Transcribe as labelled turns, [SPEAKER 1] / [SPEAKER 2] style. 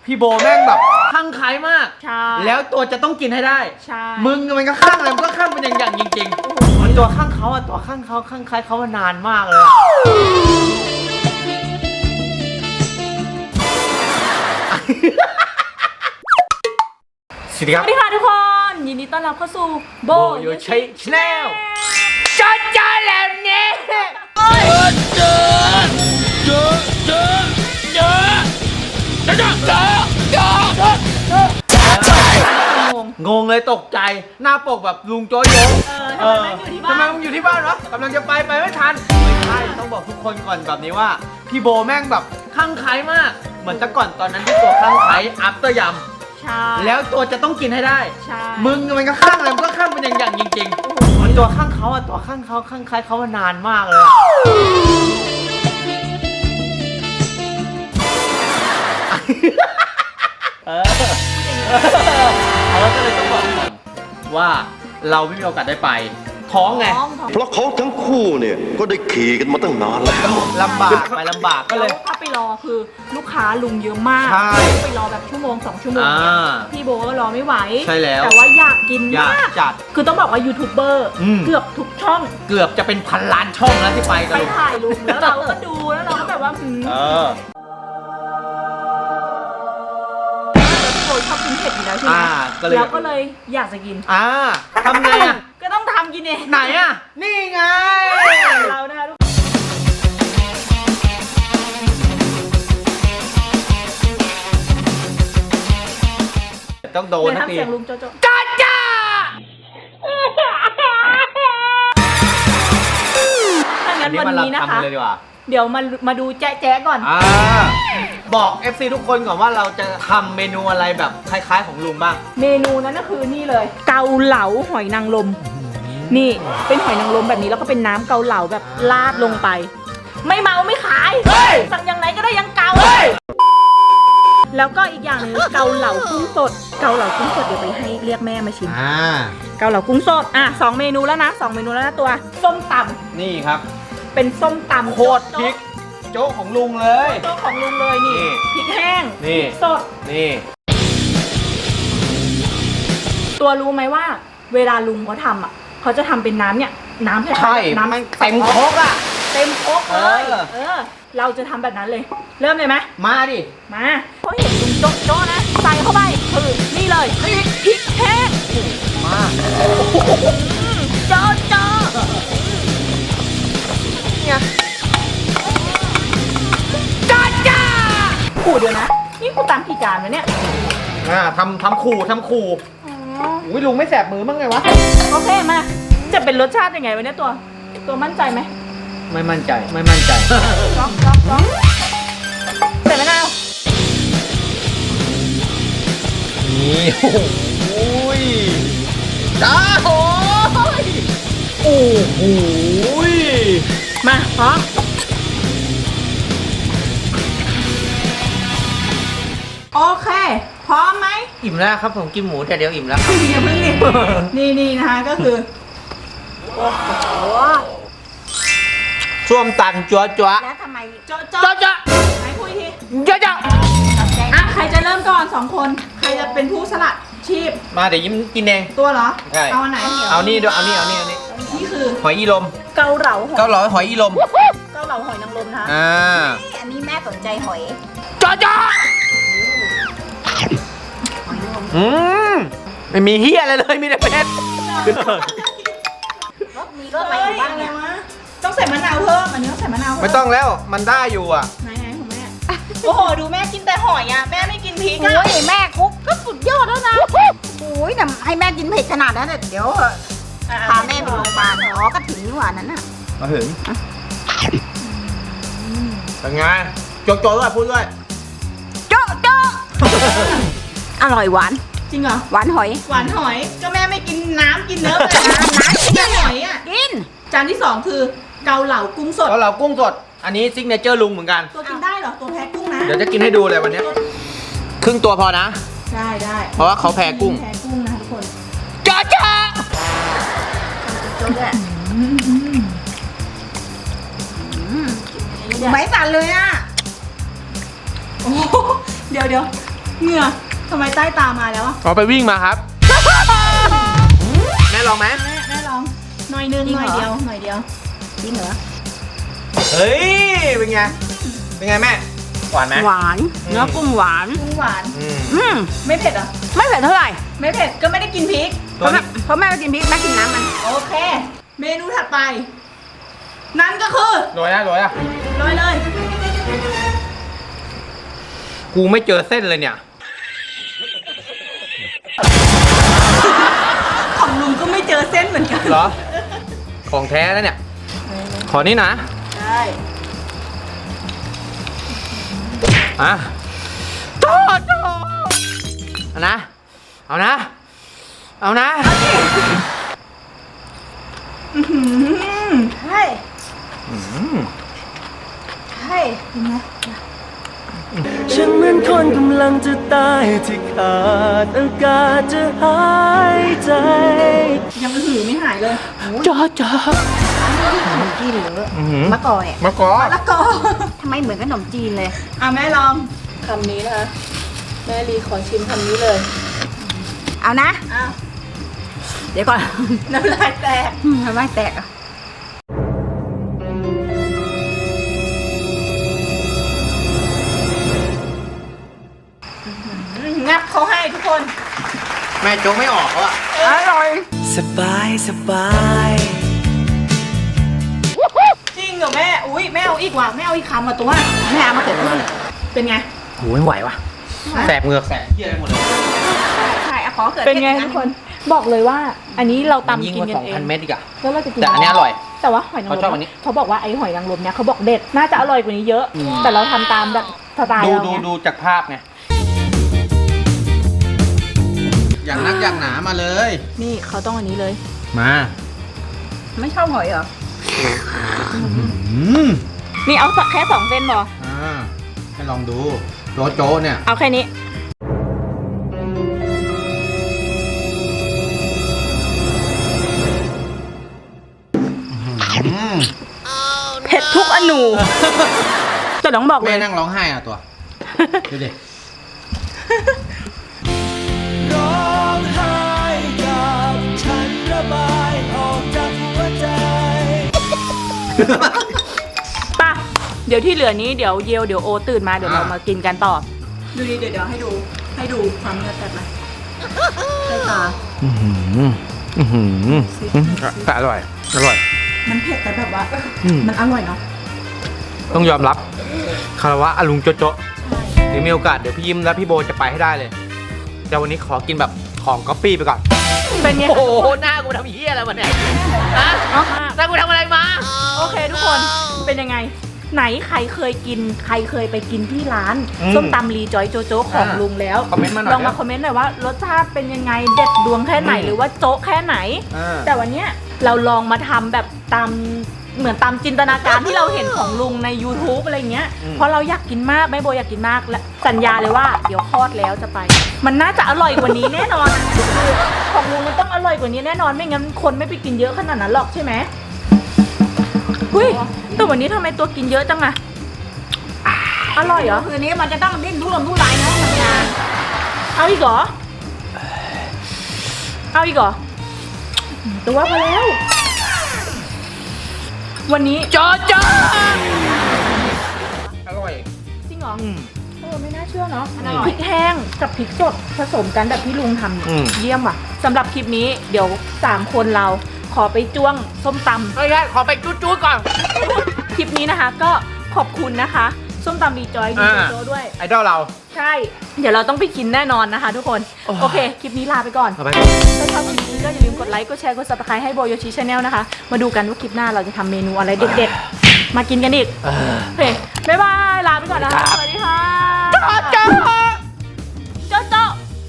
[SPEAKER 1] พี่โบแม่งแบบคลั่งไคล้มาก
[SPEAKER 2] ใช่
[SPEAKER 1] แล้วตัวจะต้องกินให้ได้
[SPEAKER 2] ใช่
[SPEAKER 1] มึงมันก็คลั่งอะไรมันก็คลั่งเป็นอย่างจริงๆมันตัวคลั่งเขาอะตัวคลั่งเขาคลั่งไคล้เขามานานมากเลยอะสวัสดี
[SPEAKER 2] ส
[SPEAKER 1] ครับ
[SPEAKER 2] วัสดีค่ะทุกคน ยินดีต้อนรับเข้าสู่โบ
[SPEAKER 1] โยชัยชาแนลจอจอแล้วเนี่ยงงเลยตกใจหน้าปกแบบลุงโจ๊ยง
[SPEAKER 2] ทำไมแม่งอยู่ที่บ้าน
[SPEAKER 1] ทำไมมึงอยู่ที่บ้านวะกำลังจะไปไม่ทันไม่ใช่ต้องบอกทุกคนก่อนแบบนี้ว่าพี่โบแม่งแบบคลั่งไคล้มากเหมือนแต่ก่อนตอนนั้นที่ตัวคลั่งไคล้อัพเตอร์ยำ
[SPEAKER 2] ใช่
[SPEAKER 1] แล้วตัวจะต้องกินให้ได้
[SPEAKER 2] ใช่
[SPEAKER 1] มึงมันก็คลั่งอะไรมันก็คลั่งเป็นอย่างจริงๆมันตัวคลั่งเขาอะตัวคลั่งเขาคลั่งไคล้เขามานานมากเลยอะเราก็เลยต้องบอกก่อนว่าเราไม่มีโอกาสได้ไปท้องไง
[SPEAKER 3] เพราะเขาทั้งคู่เนี่ยก็ได้ขี่กันมาตั้งนานแล้ว
[SPEAKER 1] ลำบากไปลำบากก็เลย
[SPEAKER 2] ถ้าไปรอคือลูกค้าลุงเยอะมาก
[SPEAKER 1] ใช่
[SPEAKER 2] ไปรอแบบชั่วโมง2 ชั่วโมง
[SPEAKER 1] อ่า
[SPEAKER 2] พี่โบก็รอไม่ไหว
[SPEAKER 1] ใช่แล้ว
[SPEAKER 2] แต่ว่าอยากกิน
[SPEAKER 1] อยาก
[SPEAKER 2] มาก
[SPEAKER 1] จัด
[SPEAKER 2] คือต้องบอกว่ายูทูบเบอร์
[SPEAKER 1] อืม
[SPEAKER 2] เกือบทุกช่อง
[SPEAKER 1] เกือบจะเป็นพันล้านช่องแล้วที่ไปกั
[SPEAKER 2] ไป
[SPEAKER 1] น
[SPEAKER 2] ถ่ายลุงแล้วเราก็ดูแล้วเราก็แบบว่าพี่โบชอบกินเผ็ดอยู่แล้วใช่ไหม
[SPEAKER 1] ก็เลย
[SPEAKER 2] แล้วก็เลยอยากจะกิน
[SPEAKER 1] ทำไงอะ
[SPEAKER 2] ก็ต้องทำกินเอง
[SPEAKER 1] ไหนอะนี่ไง
[SPEAKER 2] เรานะคะทุก
[SPEAKER 1] ต้องโดน
[SPEAKER 2] เดี๋ยว
[SPEAKER 1] นะ
[SPEAKER 2] ทำ
[SPEAKER 1] ที
[SPEAKER 2] เสียงลุงโจโจ
[SPEAKER 1] จ้าจ้า
[SPEAKER 2] ถ้างั้นวันนี้นะคะ
[SPEAKER 1] เลยดีกว่า
[SPEAKER 2] เดี๋ยวมาดูแจ๊ะก่อน
[SPEAKER 1] บอก FC ทุกคนก่อนว่าเราจะทำเมนูอะไรแบบคล้ายๆของลุงบ้าง
[SPEAKER 2] เมนูนั้นก็คือนี่เลย เกาเหลาหอยนางรมนี่เป็นหอยนางรมแบบนี้แล้วก็เป็นน้ำเกาเหลาแบบราดลงไป ไม่เมาไม่ขายสั่งอย่างไหนก็ได้ยังเกาแล้วก็อีกอย่างหนึงเกาเหลากุ้งสดเกาเหลากุ้งสดเดี๋ยวไปให้เรียกแม่มาชิมเกาเหลากุ้งสด2 เมนูแล้วนะ2 เมนูแล้วนะตัวส้มตำ
[SPEAKER 1] นี่ครับ
[SPEAKER 2] เป็นส้มตำ
[SPEAKER 1] โคตรพริกโจ๊กของลุงเลย
[SPEAKER 2] โจ๊กของลุงเลยนี่
[SPEAKER 1] นี่
[SPEAKER 2] พริกแห้ง
[SPEAKER 1] นี่
[SPEAKER 2] สด
[SPEAKER 1] นี่
[SPEAKER 2] ตัวรู้ไหมว่า เวลาลุงเขาทำเขาจะทำเป็นน้ำเนี่ยน้ำ
[SPEAKER 1] ใช่
[SPEAKER 2] น้ำ
[SPEAKER 1] มันเต็มครกอะ
[SPEAKER 2] เต็มครกเลย
[SPEAKER 1] เออ
[SPEAKER 2] เราจะทำแบบนั้นเลย เริ่มเลยไหม
[SPEAKER 1] มาดิ
[SPEAKER 2] มาเพราะเห็นลุงโจ๊ะนะใส่เข้าไปคือนี่เลยพริกแห้ง
[SPEAKER 1] มา
[SPEAKER 2] โจ๊ะเนี่ยจ้าขู่เดี๋ยวนะนี่กูตามกี่จานวะเนี่ย
[SPEAKER 1] ทำขู่อุ้ยลุงไม่แสบมือบ้างไงวะ
[SPEAKER 2] โอเคมาจะเป็นรสชาติยังไงวะเนี่ยตัวมั่นใจไหม
[SPEAKER 1] ไม่มั่นใจ
[SPEAKER 2] ร้องใส่มะนาว
[SPEAKER 1] นี่โอ้ยจ้าโอ้ยโอ้โห
[SPEAKER 2] มาพร้อมโอเคพร้อมไหม
[SPEAKER 1] อิ่มแล้วครับผมกินหมูแต่เดียวอิ่มแล้วครับ
[SPEAKER 2] อย่าเพิ่งนี่นะคะก็คือโอ้โห
[SPEAKER 1] ส้วมตันจั๊ว
[SPEAKER 2] แล้วทำไมโจ๊ะ
[SPEAKER 1] จ๊ะ
[SPEAKER 2] ไหนคุยที
[SPEAKER 1] จ๊ะ
[SPEAKER 2] ใครจะเริ่มก่อน2 คนใครจะเป็นผู้สละชีพ
[SPEAKER 1] มาเดี๋ยวยิ้มกินเอง
[SPEAKER 2] ตัวเหรอ
[SPEAKER 1] ใช่
[SPEAKER 2] เอาอันไหน
[SPEAKER 1] เอานี่ด้วยเอานี่
[SPEAKER 2] นี่คือ
[SPEAKER 1] หอยอีลม
[SPEAKER 2] เกาเหลา
[SPEAKER 1] เกาเหลาหอยอีลม
[SPEAKER 2] หอยนางรมนะคะ
[SPEAKER 4] อันนี้แม่สนใจหอย
[SPEAKER 1] จ๊ะไม่มีเฮียอะไรเลยมีแต่เป็ด
[SPEAKER 4] มีรสอะไรอยู่บ้างเนี่ย
[SPEAKER 2] ต้องใส่มะนาวเพิ่มอันนี้ต้องใส่มะนาวเพิ่
[SPEAKER 1] ไม่ต้องแล้วมันได้อยู่อ่ะ
[SPEAKER 2] ไหนของแม่โอ้โหดูแม่กินแต่หอยอ่ะแม่ไม่กินพริกอ่ะ
[SPEAKER 4] โอ้ยแม่คุกก็สุดยอดแล้วนะโอ้ยแต่ให้แม่กินเผ็ดขนาดนั้นเดี๋ยวพาแม่ไปโรงพยาบาลอ๋อก็ถึงนี่หว่านั้นน่ะ
[SPEAKER 1] มาถึงเป็นไงโจ๊ะด้วยพูดด้วย
[SPEAKER 4] โจ๊ะโจ๊ะอร่อยหวาน
[SPEAKER 2] จริงเหรอ
[SPEAKER 4] หวานหอย
[SPEAKER 2] หวานหอยก็แม่ไม่กินน้ำกินเนื้อเลยน้ำกินแต่หอยอ่ะ
[SPEAKER 4] กิน
[SPEAKER 2] จานที่ 2 คือเกาเหลากุ้งสด
[SPEAKER 1] เกาเหลากุ้งสดอันนี้ซิกเนเจอร์ลุงเหมือนกัน
[SPEAKER 2] ตัวกินได้เหรอตัวแพ้กุ้งนะ
[SPEAKER 1] เดี๋ยวจะกินให้ดูเลยวันนี้ครึ่งตัวพอนะ
[SPEAKER 2] ได้
[SPEAKER 1] เพราะว่าเขาแพ้กุ้ง
[SPEAKER 2] แพ้กุ้งนะทุกคน
[SPEAKER 1] จ๊ะ
[SPEAKER 4] โจ๊ะด้วยไม่สั่นเลยอ่ะ
[SPEAKER 2] โอ้โหเดี๋ยวเหงื่อทำไมใต้ตามาแล้วอะ
[SPEAKER 1] เอาไปวิ่งมาครับ แม่ลองไหม
[SPEAKER 2] แม่ลองหน่อยนึง
[SPEAKER 4] จริง
[SPEAKER 2] ห
[SPEAKER 4] เหร
[SPEAKER 2] น่
[SPEAKER 4] อ
[SPEAKER 2] อยเดียวหน่อยเดียว
[SPEAKER 4] จริงเหรอ
[SPEAKER 1] เฮ้ย เป็นไง เป็นไงแม่ หวานไหม
[SPEAKER 4] หวานเนื้อกุ้งหวาน
[SPEAKER 2] กุ้งหวาน
[SPEAKER 4] อืม
[SPEAKER 2] ไม่เผ็ดเหรอ
[SPEAKER 4] ไม่เผ็ดเท่าไหร่
[SPEAKER 2] ไม่เผ็ดก็ไม่ได้กินพริก
[SPEAKER 4] เพราะแม่เพราะแม่ไม่กินพริกแม่กินน้ำมัน
[SPEAKER 2] โอเค เมนูถัดไป นั่นก็คือ
[SPEAKER 1] โรยนะโรยนะ
[SPEAKER 2] โรยเลย
[SPEAKER 1] กูไม่เจอเส้นเลยเนี่ย
[SPEAKER 2] ของลุงก็ไม่เจอเส้นเหมือนกัน
[SPEAKER 1] เหรอ ของแท้แล้วเนี่ย ขอนี่นะ
[SPEAKER 2] ใช่
[SPEAKER 1] อ่ะโตโตเอานะ เอานะ เอานะ
[SPEAKER 2] ใช่ใช่เป็นไง
[SPEAKER 5] ฉันเหมือนคนกำลังจะตายที่ขาดอากาศจะหายใจ
[SPEAKER 2] ยังหือไม่หายเลย
[SPEAKER 5] จอจอ
[SPEAKER 4] ขนมจีนหรือ
[SPEAKER 1] อื้อหือ
[SPEAKER 4] มะกอกเนี่ย
[SPEAKER 1] มะกอก
[SPEAKER 2] แล้วก็
[SPEAKER 4] ทำไมเหมือนขนมจีนเลย
[SPEAKER 2] อ่ะแม่ลองคำนี้นะคะแม่ลีขอชิมคำนี้เลย
[SPEAKER 4] เอานะ
[SPEAKER 2] อ้าว
[SPEAKER 4] เดี๋ยวก่อน
[SPEAKER 2] น้ำลายแตก
[SPEAKER 4] ทำไมแตกอ่ะ
[SPEAKER 2] งับเขาให้ทุกคน
[SPEAKER 1] แม่โจ๊กไม่ออกแล้วอ่ะ
[SPEAKER 4] อร่อย
[SPEAKER 5] สบายสบาย
[SPEAKER 2] จริงเหรอแม่ อุ้ยแม่เอาอีกว่ะแม่เอาอีกคำอ่ะตัว
[SPEAKER 4] แม่เอามาเกิดขึ้น
[SPEAKER 2] เป็นไง
[SPEAKER 1] โหไม่ไหวว่ะ แสบเหงือกแสบเที่ยไปหมดเลย
[SPEAKER 4] ใช่เอาขอเกิด
[SPEAKER 2] เป็นไงทุกคน บอกเลยว่า อันนี้เราตำ
[SPEAKER 1] ยิ่ง
[SPEAKER 2] กิน
[SPEAKER 1] กว่า
[SPEAKER 2] กันเอง
[SPEAKER 1] 2,000 เม็ดอีกอะ
[SPEAKER 2] แล้วเราจะกิน
[SPEAKER 1] แต่อันนี้อร่อย
[SPEAKER 2] แต่ว่าหอยนางร
[SPEAKER 1] เขาชอบอั
[SPEAKER 2] ม
[SPEAKER 1] นนี้
[SPEAKER 2] เขาบอกว่าไอ้หอยนางรมเนี่ยเขาบอกเด็ด น่าจะอร่อยกว่านี้เยอะ แต่เราทำตามแบบสไตล์
[SPEAKER 1] ดู
[SPEAKER 2] เรา
[SPEAKER 1] ดู
[SPEAKER 2] ไง
[SPEAKER 1] ดูจากภาพไง อย่างนักอย่างหนามาเลย
[SPEAKER 2] นี่เขาต้องอันนี้เลย
[SPEAKER 1] มา
[SPEAKER 4] ไม่ชอบหอยเหรอ
[SPEAKER 2] นี่เอาแค่2 เส้นพอ
[SPEAKER 1] ให้ลองดูโจ๊โจ๊เนี่ย
[SPEAKER 2] เอาแค่นี้ เผ็ดทุกอนู แต่ต้องบอกเล
[SPEAKER 1] แม่
[SPEAKER 2] ย
[SPEAKER 1] นั่งร้องไห้อ่ะตัว ดูดิ
[SPEAKER 5] ร้องไห้กับฉันระบายออกจากหัวใจ
[SPEAKER 2] ป่ะ เดี๋ยวที่เหลือนี้เดี๋ยวเยวเดี๋ยวโอตื่นมาเดี๋ยวเรามากินกันต่อ ดูดิเดี๋ยวให้ดูความเนื้อแตกไหมใต้ตา
[SPEAKER 1] แต่อร่อย อร่อย
[SPEAKER 2] มันเผ็ดแต่แบบว่า มันอร่อยเนาะ
[SPEAKER 1] ต้องยอมรับคารวะอลุงโจโจะเดี๋ยวมีโอกาสเดี๋ยวพี่ยิ้มและพี่โบจะไปให้ได้เลย แต่วันนี้ขอกินแบบของก๊อปปี้ไปก่อน
[SPEAKER 2] เป็นไง
[SPEAKER 1] โอ้โห หน้ากูทำเหี้ยอะไรมาเนี่ยฮะหน้ากูทำอะไรมา
[SPEAKER 2] โอเคทุกคน เป็นยังไง ไหนใครเคยกิน ใครเคยไปกินที่ร้าน
[SPEAKER 1] อืม
[SPEAKER 2] ส้มตำลีจอยโจโจ๊กของลุงแล้ว
[SPEAKER 1] คอมเมนต์มาหน่อย
[SPEAKER 2] ลองมาคอมเมนต์หน่อยว่ารสชาติเป็นยังไง เด็ดดวงแค่ไหน หรือว่าโจ๊กแค่ไหน แต่วันเนี้ยเราลองมาทำแบบตามเหมือนตามจินตนาการที่เราเห็นของลุงใน YouTube อะไรเงี้ย เพราะเราอยากกินมากแม่โบอยากกินมากและสัญญาเลยว่าเดี๋ยวคลอดแล้วจะไป มันน่าจะอร่อยกว่านี้แน่นอนอะคือของลุงมันต้องอร่อยกว่านี้แน่นอนไม่งั้นคนไม่ไปกินเยอะขนาดนั้นหรอกใช่ไหมหุ้ยแต่วันนี้ทำไมตัวกินเยอะจังอะอร่อยเหรอ
[SPEAKER 4] คืนนี้มันจะต้องดิ้นรุ่มรุ่นไหลนะทำงาน
[SPEAKER 2] เอาอีกเหรอเอาอีกเหรอตัวพอแล้ว วันนี้
[SPEAKER 1] โจโจะอร่อย
[SPEAKER 2] จริงเหรอ
[SPEAKER 1] อืม
[SPEAKER 2] ไม่น่าเชื่อเนาะ
[SPEAKER 1] อร่อย
[SPEAKER 2] พริกแห้งกับพริกสดผสมกันแบบที่ลุงทำเนี่ย
[SPEAKER 1] อืม
[SPEAKER 2] เยี่ยมว่ะสำหรับคลิปนี้เดี๋ยว3คนเราขอไปจ้วงส้มตำ
[SPEAKER 1] ไม่ใช่ขอไปจู๊ดๆก่อน
[SPEAKER 2] คลิปนี้นะคะ ก็ขอบคุณนะคะ ส้มตำดีจอยดีโจด้วย
[SPEAKER 1] ไอดอลเรา
[SPEAKER 2] ใช่ เดี๋ยวเราต้องไปกินแน่นอนนะคะ ทุกคน โอเค คลิปนี้ลาไปก่อน
[SPEAKER 1] เอาไป
[SPEAKER 2] ถ้าชอบคลิปนี้ก็อย่าลืมกดไลค์ กดแชร์ กด subscribe ให้โบโยชิชาแนลนะคะ มาดูกันว่าคลิปหน้าเราจะทำเมนูอะไรเด็ดๆ มากินกันอีกโอเค บ๊ายบาย ลาไปก่อนนะคะ สวัสดี